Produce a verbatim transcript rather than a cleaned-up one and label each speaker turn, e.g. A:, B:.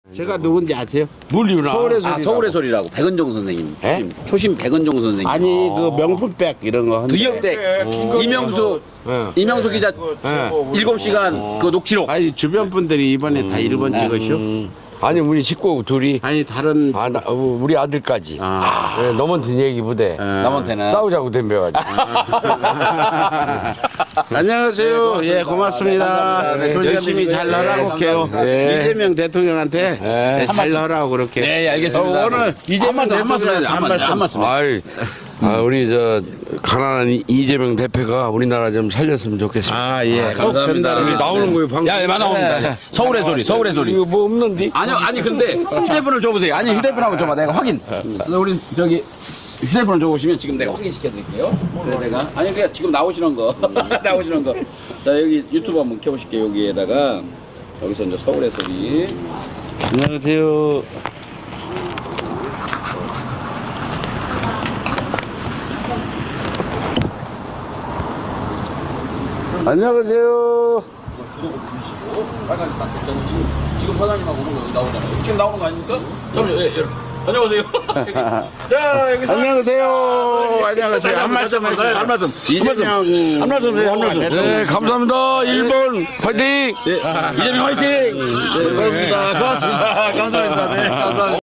A: 제가 누군지 아세요?
B: 물리구나.
A: 서울의 소리.
C: 아 서울의 소리라고 백은종 선생님. 초심, 초심 백은종 선생님.
A: 아니 그 명품백 이런 거.
C: 두역대 이명수 이명수 기자 일곱 시간 그 녹취록.
A: 아니 주변 분들이 이번에 다 일 번 찍으시오.
B: 음. 아니 우리 식구 둘이
A: 아니 다른
B: 아, 나, 어, 우리 아들까지
A: 아.
B: 네, 넘은 얘기 부대
C: 남한테는
B: 싸우자고 덤벼가지고
A: 안녕하세요. 예 고맙습니다.
C: 감사합니다. 네,
A: 열심히
C: 조심히
A: 잘
C: 네,
A: 하라고 해요.
C: 감사합니다.
A: 이재명 대통령한테 네, 잘 하라고 그렇게.
C: 네 알겠습니다.
A: 어, 오늘 이재명
C: 한 말씀 한 말씀 해주세요. 한 말씀 한 말씀.
B: 아이, 아, 우리 저 가난한 이- 이재명 대표가 우리나라 좀 살렸으면 좋겠습니다.
A: 아 예. 꼭
C: 감사합니다.
A: 전달을
B: 나오는 거예요 방송.
C: 야, 예, 나옵니다. 서울의 소리, 서울의 소리.
B: 이거 뭐 없는데?
C: 아니요, 아니 근데 휴대폰을 줘보세요. 아니 휴대폰 한번 줘봐. 내가 확인. 우리 저기 휴대폰을 줘보시면 지금 내가 확인시켜 드릴게요. 그래 내가 아니 그냥 지금 나오시는 거 나오시는 거. 자 여기 유튜브 한번 켜보실게요. 여기에다가 여기서 이제 서울의 소리.
A: 안녕하세요. 안녕하세요.
C: 빨간색 딱 됐잖아요. 지금 지금 사장님하고 오는 거 여기 나오잖아요. 지금 나오는 거 아닙니까? 잠깐만요. 예, 이렇게. 안녕하세요. 자 여기서
A: 안녕하세요. 안녕하세요. 한 말씀
C: 한
A: 해주세요.
C: 말씀.
A: 이재명
C: 한 말씀 해요. 한 말씀.
B: 네 감사합니다. 일 번 화이팅!
C: 예, 이재명 화이팅! 네, 고맙습니다. 고맙습니다. 감사합니다. 네, 감사합니다.